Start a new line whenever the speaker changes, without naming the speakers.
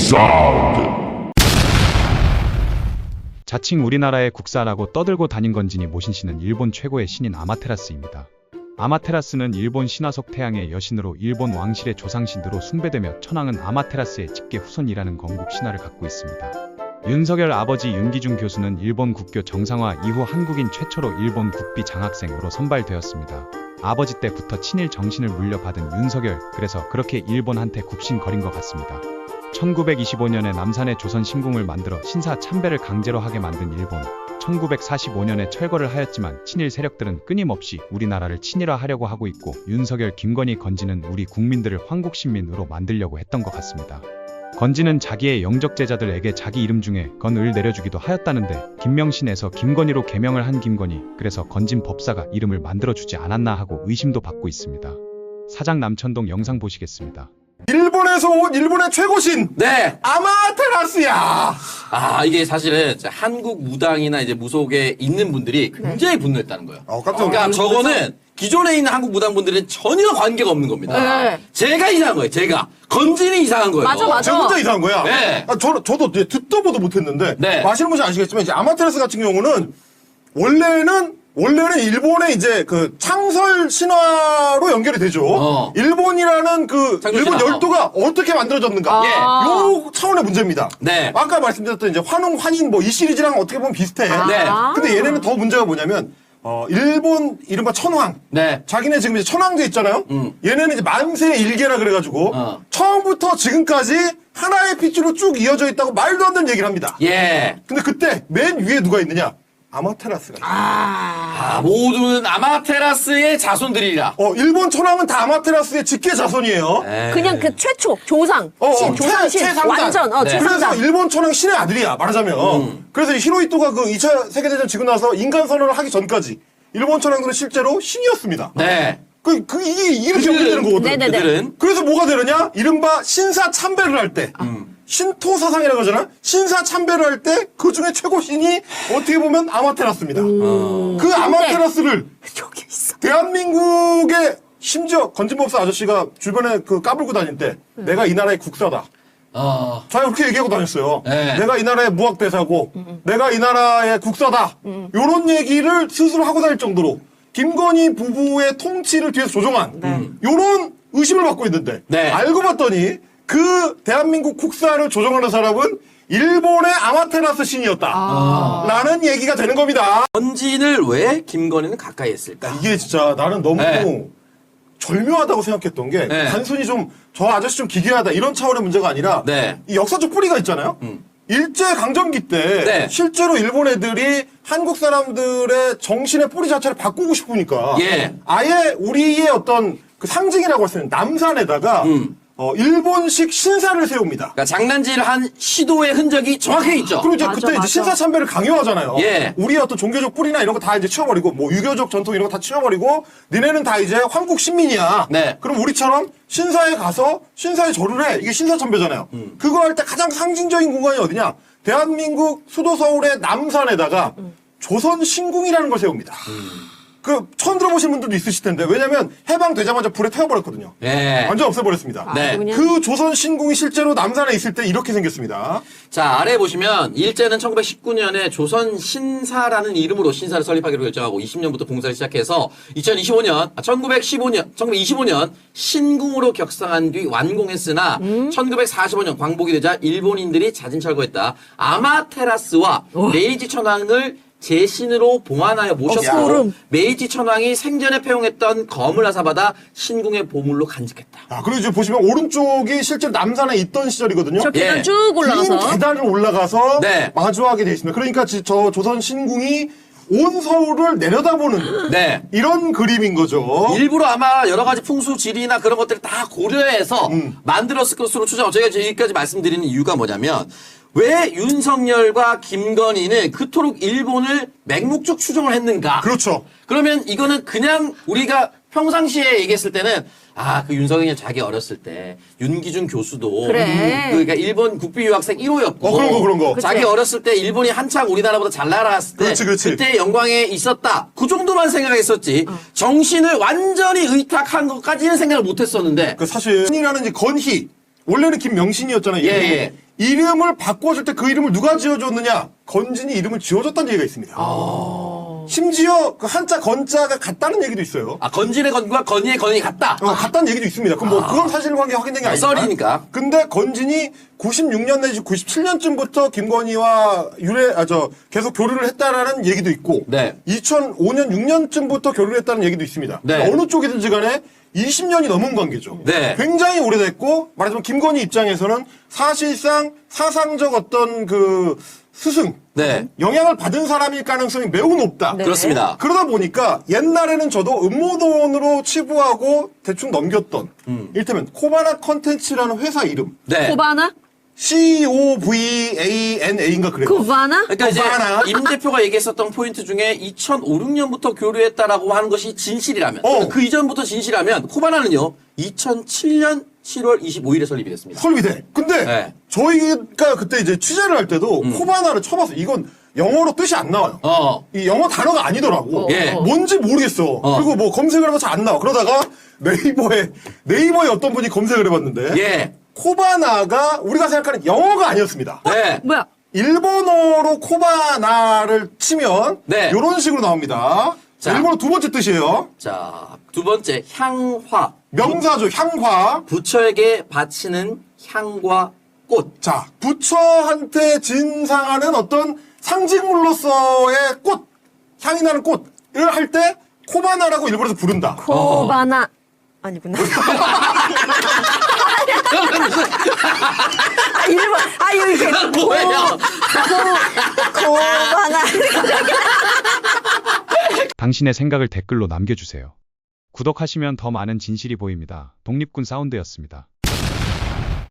사운드.
자칭 우리나라의 국사라고 떠들고 다닌 건지니 모신씨는 일본 최고의 신인 아마테라스입니다. 아마테라스는 일본 신화속 태양의 여신으로 일본 왕실의 조상신으로 숭배되며 천황은 아마테라스의 직계 후손이라는 건국 신화를 갖고 있습니다. 윤석열 아버지 윤기중 교수는 일본 국교 정상화 이후 한국인 최초로 일본 국비 장학생으로 선발되었습니다. 아버지 때부터 친일 정신을 물려받은 윤석열, 그래서 그렇게 일본한테 굽신거린 것 같습니다. 1925년에 남산에 조선 신궁을 만들어 신사 참배를 강제로 하게 만든 일본. 1945년에 철거를 하였지만 친일 세력들은 끊임없이 우리나라를 친일화하려고 하고 있고 윤석열, 김건희, 건지는 우리 국민들을 황국신민으로 만들려고 했던 것 같습니다. 건지는 자기의 영적 제자들에게 자기 이름 중에 건을 내려주기도 하였다는데 김명신에서 김건희로 개명을 한 김건희, 그래서 건진 법사가 이름을 만들어주지 않았나 하고 의심도 받고 있습니다. 사장 남천동 영상 보시겠습니다.
일본에서 온 일본의 최고신
네.
아마테라스야.
아, 이게 사실은 한국 무당이나 이제 무속에 있는 분들이 굉장히 분노했다는 거예요.
깜짝 놀랐어요.
그러니까 저거는 기존에 있는 한국 무당분들은 전혀 관계가 없는 겁니다.
네.
제가 이상한 거예요, 제가. 건진이 이상한 거예요.
맞아.
제가 혼자 이상한 거야.
네.
저도 이제 듣도 보도 못했는데
네.
아시는 분이 아시겠지만 이제 아마테라스 같은 경우는 원래는 일본의 이제 그 창설 신화로 연결이 되죠. 일본이라는 그
창설
일본
신화.
열도가 어떻게 만들어졌는가.
예.
요 차원의 문제입니다.
네.
아까 말씀드렸던 이제 환웅, 환인 뭐 이 시리즈랑 어떻게 보면 비슷해.
네.
근데 얘네는 더 문제가 뭐냐면 일본 이른바 천황.
네.
자기네 지금 이제 천황제 있잖아요. 얘네는 이제 만세 일계라 그래가지고 처음부터 지금까지 하나의 핏줄로 쭉 이어져 있다고 말도 안 되는 얘기를 합니다.
예.
근데 그때 맨 위에 누가 있느냐? 아마테라스가 있어요.
아, 모두는 아마테라스의 자손들이라.
일본 천황은 다 아마테라스의 직계 자손이에요.
그냥 그 최초 조상, 조상신
최상단.
완전
네.
그래서
최상단.
일본 천황 신의 아들이야 말하자면. 그래서 히로히토가 그 2차 세계대전 지고 나서 인간 선언을 하기 전까지 일본 천황들은 실제로 신이었습니다.
네.
이게 이렇게 연결되는 거거든.
네네네.
그들은
그래서 뭐가 되느냐? 이른바 신사 참배를 할 때. 신토 사상이라고 하잖아? 신사 참배를 할 때 그 중에 최고 신이 어떻게 보면 아마테라스입니다. 그 아마테라스를
저기 있어.
대한민국의 심지어 건진법사 아저씨가 주변에 그 까불고 다닐 때 내가 이 나라의 국사다. 자기가 그렇게 얘기하고 다녔어요.
네.
내가 이 나라의 무학대사고 내가 이 나라의 국사다. 요런 얘기를 스스로 하고 다닐 정도로 김건희 부부의 통치를 뒤에서 조종한 요런 의심을 받고 있는데
네.
알고 봤더니 그 대한민국 국사를 조종하는 사람은 일본의 아마테라스 신이었다. 라는 얘기가 되는 겁니다.
건진을 왜 김건희는 가까이 했을까?
이게 진짜 나는 너무
네.
절묘하다고 생각했던 게
네.
단순히 좀 저 아저씨 좀 기괴하다 이런 차원의 문제가 아니라
네.
이 역사적 뿌리가 있잖아요. 일제강점기 때
네.
실제로 일본 애들이 한국 사람들의 정신의 뿌리 자체를 바꾸고 싶으니까
예.
아예 우리의 어떤 그 상징이라고 할 수 있는 남산에다가 일본식 신사를 세웁니다.
그러니까 장난질한 시도의 흔적이 정확하게 있죠.
그리고 이제
맞아,
그때
맞아.
이제 신사 참배를 강요하잖아요.
예.
우리의 어떤 종교적 뿌리나 이런 거 다 이제 치워버리고, 뭐 유교적 전통 이런 거 다 치워버리고, 니네는 다 이제 황국 신민이야.
네.
그럼 우리처럼 신사에 가서 신사에 절을 해. 이게 신사 참배잖아요. 그거 할 때 가장 상징적인 공간이 어디냐? 대한민국 수도 서울의 남산에다가 조선 신궁이라는 걸 세웁니다. 처음 들어보신 분들도 있으실 텐데, 왜냐면 해방되자마자 불에 태워버렸거든요.
네.
완전 없애버렸습니다.
네.
그냥
그 조선 신궁이 실제로 남산에 있을 때 이렇게 생겼습니다.
자, 아래 보시면 일제는 1919년에 조선 신사라는 이름으로 신사를 설립하기로 결정하고 20년부터 봉사를 시작해서 1925년 신궁으로 격상한 뒤 완공했으나 1945년 광복이 되자 일본인들이 자진 철거했다. 아마테라스와 메이지 천황을 제신으로 봉안하여 모셨고
소름.
메이지 천황이 생전에 폐용했던 검을 하사받아 신궁의 보물로 간직했다.
그리고 이제 보시면 오른쪽이 실제로 남산에 있던 시절이거든요.
저 계단
예.
쭉
긴
올라가서.
계단을 올라가서
네.
마주하게 돼 있습니다. 그러니까 저 조선 신궁이 온 서울을 내려다보는
네.
이런 그림인 거죠.
일부러 아마 여러 가지 풍수 지리나 그런 것들을 다 고려해서 만들었을 것으로 추정. 저희가 여기까지 말씀드리는 이유가 뭐냐면 왜 윤석열과 김건희는 그토록 일본을 맹목적 추종을 했는가?
그렇죠.
그러면 이거는 그냥 우리가 평상시에 얘기했을 때는 그 윤석열 자기 어렸을 때 윤기중 교수도
그래.
그러니까 일본 국비 유학생 1호였고
그런 거.
자기 어렸을 때 일본이 한창 우리나라보다 잘 나갔을 때
그렇지.
그때 영광에 있었다. 그 정도만 생각했었지. 정신을 완전히 의탁한 것까지는 생각을 못 했었는데
사실 신이라는 이제 건희 원래는 김명신이었잖아요. 이름이.
예.
이름을 바꿔줄 때 그 이름을 누가 지어줬느냐? 건진이 이름을 지어줬다는 얘기가 있습니다. 심지어 그 한자 건자가 같다는 얘기도 있어요.
아, 건진의 건과 건희의 건이 같다.
같다는 얘기도 있습니다. 그럼 뭐 그건 사실관계 확인된 게 아니니까.
썰이니까.
근데 건진이 96년 내지 97년쯤부터 김건희와 계속 교류를 했다라는 얘기도 있고,
네.
2005년 6년쯤부터 교류를 했다는 얘기도 있습니다.
네.
그러니까 어느 쪽이든지 간에 20년이 넘은 관계죠.
네.
굉장히 오래됐고, 말하자면 김건희 입장에서는 사실상 사상적 어떤 그 스승,
네.
영향을 받은 사람일 가능성이 매우 높다.
네.
그렇습니다.
그러다 보니까 옛날에는 저도 음모론으로 치부하고 대충 넘겼던 이를테면 코바나 컨텐츠라는 회사 이름
네.
코바나?
COVANA인가 그래요.
코바나?
그러니까 이제
코바나.
임 대표가 얘기했었던 포인트 중에 2005, 6년부터 교류했다라고 하는 것이 진실이라면 그 이전부터 진실이라면 코바나는요 2007년 7월 25일에 설립이 됐습니다.
설비대. 근데
네.
저희가 그때 이제 취재를 할 때도 코바나를 쳐봤어. 이건 영어로 뜻이 안 나와요. 이 영어 단어가 아니더라고.
예.
뭔지 모르겠어. 그리고 뭐 검색을 해봐서 안 나와. 그러다가 네이버에 어떤 분이 검색을 해봤는데
예.
코바나가 우리가 생각하는 영어가 아니었습니다.
네.
뭐야?
일본어로 코바나를 치면
네.
이런 식으로 나옵니다.
자.
일본어 두 번째 뜻이에요.
자, 두 번째 향화.
명사죠. 향화.
부처에게 바치는 향과 꽃.
자, 부처한테 진상하는 어떤 상징물로서의 꽃, 향이 나는 꽃을 할 때 코바나라고 일본에서 부른다.
코바나. 아니구나. 일본. 여기 계속
뭐예요?
코바나.
당신의 생각을 댓글로 남겨주세요. 구독하시면 더 많은 진실이 보입니다. 독립군 사운드였습니다.